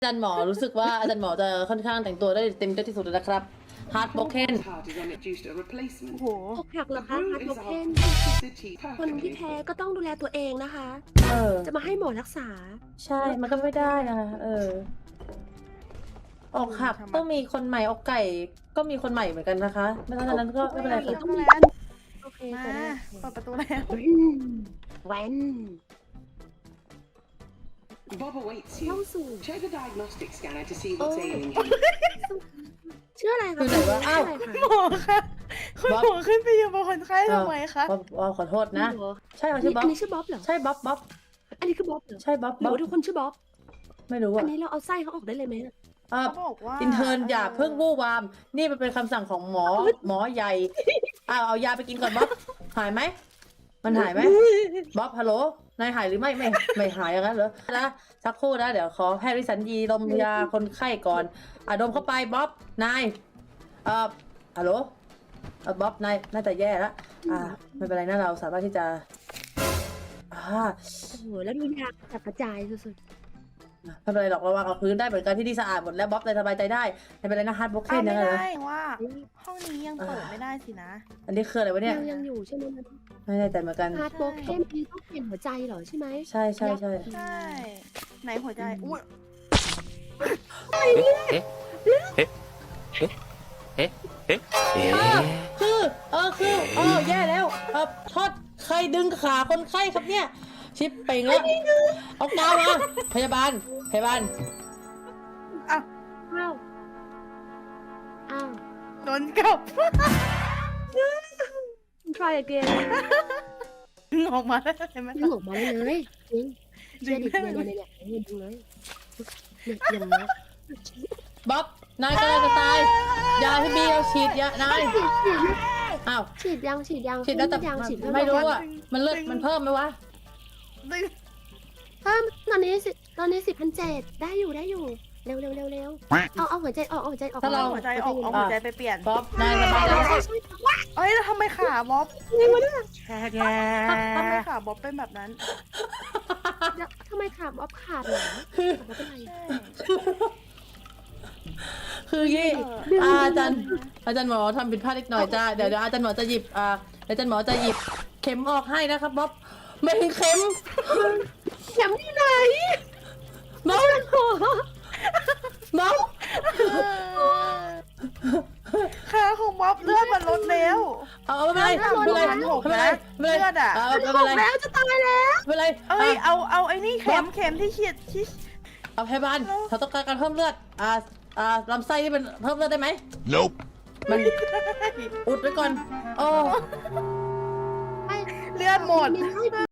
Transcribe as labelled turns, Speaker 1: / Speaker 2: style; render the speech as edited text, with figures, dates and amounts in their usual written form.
Speaker 1: อาจารย์หมอรู้สึกว่าอาจารย์หมอจะค่อนข้างแต่งตัวได้เต็มที่สุดแล้วนะครับฮาร์ดโบเคน
Speaker 2: โอ้โห
Speaker 3: อกหักเหรอคะฮาร์ดโบเคนคนที่แพ้ก็ต้องดูแลตัวเองนะคะ จะมาให้หมอรักษา
Speaker 1: ใช่มันก็ไม่ได้นะคะอกหักต้องมีคนใหม่อกไก่ก็มีคนใหม่เหมือนกันนะคะไม่ต้องนั้นก็ไม่เป็นไร
Speaker 3: ต้
Speaker 1: ค่ะ
Speaker 3: องมี โอเค
Speaker 2: มา
Speaker 3: เปิด
Speaker 2: เปิดประตูแล้ว
Speaker 3: แหวน
Speaker 4: Bob awaits
Speaker 3: เข้า
Speaker 4: you.
Speaker 3: สู่
Speaker 4: Check the diagnostic scanner to see what's ailing him.
Speaker 3: ชื่ออะไรคะ
Speaker 1: คือไหนวะอ้าว
Speaker 3: ชื่ะไรคะ
Speaker 2: หมอคะคุณหมอขึ้นไปอยู่บนคนไข้ทำไมคะ
Speaker 1: ขอโทษนะ
Speaker 3: หมอ
Speaker 1: ใช่เขาชื่อบ๊อบ
Speaker 3: อันนี้ชื่อบ๊อบเหรอ
Speaker 1: ใช่บ๊อบ
Speaker 3: อันนี้คือบ๊อบเหรอ
Speaker 1: ใช่บ๊อบ
Speaker 3: หรือว่าทุกคนชื่อบ๊อบ
Speaker 1: ไม่รู้
Speaker 3: อั
Speaker 1: อ่ะ
Speaker 3: นนี้เราเอาไส้เขาออกได้เลยไหม
Speaker 2: เขาบอกว่า
Speaker 1: อินเทอร์นอย่าเพิ่งวู่วามนี่มันเป็นคำสั่งของหมอใหญ่เอายาไปกินก่อนบ๊อบหายไหมมันหายไหมบ๊อบฮัลโหลนายหายหรือไม่หายอย่างนั้นเหรอนะสักครู่นะเดี๋ยวขอแพทย์วิสัญญีดมยาคนไข้ก่อนดมเข้าไปบ๊อบนายฮัลโหลบ๊อบนายน่าจะแย่แล้วไม่เป็นไรนะเราสามารถที่จะ
Speaker 3: โอ้โหแล้วดูยากระจายสุด
Speaker 1: ไม่เป็นไรหรอกระวังเอาพื้นได้เหมือนกันที่นี่สะอาดหมดแล้วบ๊อบเลยสบายใจได้ไม่เป็นไรนะฮาร์ดโบเคน
Speaker 2: ไม่
Speaker 1: นะ
Speaker 2: ได้ว่าห้องนี้ยังเปิดไม่ได้สินะ
Speaker 1: อันนี้คืออะไรวะเนี่ย
Speaker 3: ยังอยู่ใช่ไหม
Speaker 1: ไม่แน่ใจเหมือนกัน
Speaker 3: ฮาร์ดโบเคนนี่ต้องเปลี่ยนหัวใจเหรอใช่ไหม
Speaker 1: ใช่
Speaker 2: ใช่ไหนหัวใจอุ้ย
Speaker 1: คือแย่แล้วทอดใครดึงขาคนไข้ครับเนี่ยชิปเป่งแล้วเอากาวมาพยาบาล
Speaker 2: อ่ะ
Speaker 3: อ้าวอ้าว
Speaker 2: โดนกลับ
Speaker 3: try again
Speaker 2: ดึงออกมาได้ไหม
Speaker 3: ดึงออกมาเลยจริงเชื่อดิเนี่ยดึงเลยเนี่ยอย่างนี้
Speaker 1: บ๊อบนายกำลังจะตายยาที่บีเอาฉีดยานายอ้าว
Speaker 3: ฉีดยัง
Speaker 1: ฉีดแล้วแต่
Speaker 3: ฉีด
Speaker 1: ไม่รู้อ่ะมันเลือดมันเพิ่มไหมวะ
Speaker 2: ดึง
Speaker 3: เพิ่มตอนนี้10,700ได้อยู่เร็วเอาหัวใจออกหัวใจออก
Speaker 2: เอาหัวใจออกเอาหัวใจไปเปลี่ยน
Speaker 1: บ๊อบนายสบายแล้ว
Speaker 2: เอ้ยแล้วทำไมขาบ๊อบ
Speaker 3: นี่วะเนี่ย
Speaker 2: ทำไมขาบ๊อบเป็นแบบนั้น
Speaker 3: ทำไมขาบ๊อบขาดเหรอบ๊อบเป็นไร
Speaker 1: คือยี่อาจารย์หมอทำผิดพลาดนิดหน่อยจ้าเดี๋ยวอาจารย์หมอจะหยิบอาจารย์หมอจะหยิบเข็มออกให้นะครับบ๊อบไม่เข็ม
Speaker 3: เข็มที่ไหน
Speaker 1: บ๊อบบ๊อบ
Speaker 2: ขาของบ๊อบเลือดมันลดแล้ว
Speaker 1: เอาไม่เป็นไรไม่เป็นไรไม่เป็นไรไม่เป็นไรไม่เป็นไร
Speaker 3: แล้วจะตายแล้ว
Speaker 1: ไม่เป็นไร
Speaker 2: เอ้ยเอาไอ้นี่เข็มที่ฉีดที่
Speaker 1: เอาพยาบาลเขาต้องการเพิ่มเลือดลำไส้นี่มันเพิ่มเลือดได้ไหม
Speaker 5: Nope.
Speaker 1: มันอุดไว้ก่อนโอ้
Speaker 2: เลือดหมด